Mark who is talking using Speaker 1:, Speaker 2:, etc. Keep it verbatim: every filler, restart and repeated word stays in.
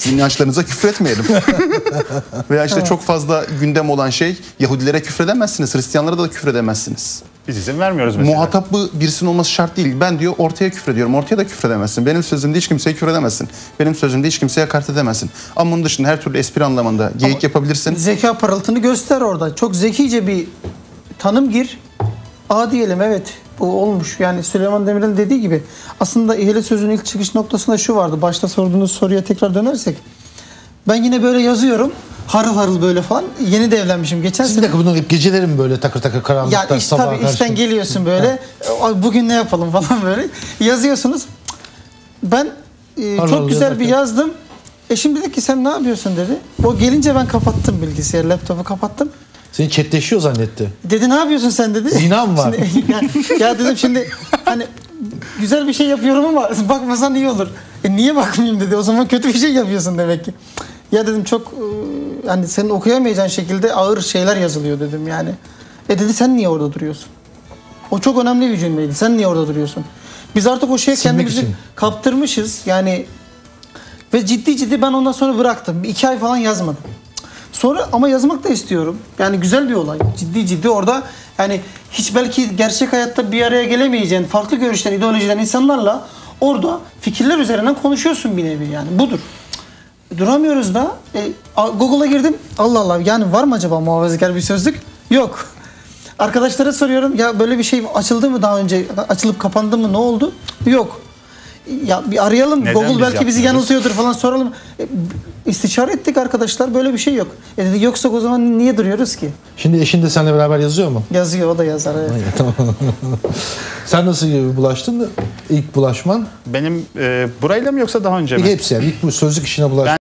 Speaker 1: inançlarınıza küfretmeyelim. Veya işte çok fazla gündem olan şey, Yahudilere küfredemezsiniz, Hristiyanlara da küfredemezsiniz.
Speaker 2: Biz izin vermiyoruz mesela.
Speaker 1: Muhatapı birisinin olması şart değil. Ben diyor ortaya küfrediyorum. Ortaya da küfredemezsin. Benim sözümde hiç kimseye küfredemezsin. Benim sözümde hiç kimseye hakaret edemezsin. Ama bunun dışında her türlü espri anlamında geyik Ama yapabilirsin.
Speaker 3: Zeka parıltını göster orada. Çok zekice bir tanım gir. A diyelim, evet bu olmuş. Yani Süleyman Demirel'in dediği gibi. Aslında İhale Sözü'nün ilk çıkış noktasında şu vardı. Başta sorduğunuz soruya tekrar dönersek. Ben yine böyle yazıyorum. Harıl harıl böyle falan. Yeni de evlenmişim. Geçen
Speaker 4: sene. Bir dakika, bunun hep gecelerim mi böyle takır takır karanlıkta
Speaker 3: ya iş,
Speaker 4: sabaha
Speaker 3: tabii
Speaker 4: karşı?
Speaker 3: işten geliyorsun böyle. Bugün ne yapalım falan böyle. Yazıyorsunuz. Ben e,
Speaker 4: harıl
Speaker 3: çok
Speaker 4: harıl
Speaker 3: güzel bir
Speaker 4: yazarken.
Speaker 3: yazdım. Eşim dedi ki sen ne yapıyorsun dedi. O gelince ben kapattım bilgisayarı, laptopu kapattım.
Speaker 4: Seni chatleşiyor zannetti.
Speaker 3: Dedi ne yapıyorsun sen dedi.
Speaker 4: Zina mı var?
Speaker 3: Şimdi, ya, ya dedim şimdi hani güzel bir şey yapıyorum ama bakmasan iyi olur. E niye bakmayayım dedi. O zaman kötü bir şey yapıyorsun demek ki. Ya dedim çok hani senin okuyamayacağın şekilde ağır şeyler yazılıyor dedim yani. E dedi sen niye orada duruyorsun? O çok önemli bir cümleydi. Sen niye orada duruyorsun? Biz artık o şeye
Speaker 4: Silmek
Speaker 3: kendimizi
Speaker 4: için
Speaker 3: kaptırmışız. Yani ve ciddi ciddi ben ondan sonra bıraktım. İki ay falan yazmadım. Sonra ama yazmak da istiyorum. Yani güzel bir olay. Ciddi ciddi orada yani hiç belki gerçek hayatta bir araya gelemeyeceğin farklı görüşten, ideolojiden insanlarla orada fikirler üzerinden konuşuyorsun bir nevi yani. Budur. Duramıyoruz da. E, Google'a girdim. Allah Allah yani var mı acaba muhafazakar bir sözlük? Yok. Arkadaşlara soruyorum ya böyle bir şey açıldı mı daha önce? Açılıp kapandı mı? Ne oldu? Yok. Ya bir arayalım.
Speaker 2: Neden
Speaker 3: Google
Speaker 2: biz
Speaker 3: belki bizi
Speaker 2: yapmıyoruz?
Speaker 3: yanıltıyordur falan soralım. E, istişare ettik arkadaşlar. Böyle bir şey yok. E dedi yoksa o zaman niye duruyoruz ki?
Speaker 4: Şimdi eşin de seninle beraber yazıyor mu?
Speaker 3: Yazıyor, o da yazar. Evet.
Speaker 4: Tamam. Sen nasıl bulaştın? İlk bulaşman?
Speaker 2: Benim e, burayla mı yoksa daha önce mi?
Speaker 4: Hepsi yani. İlk bu sözlük işine bulaştın.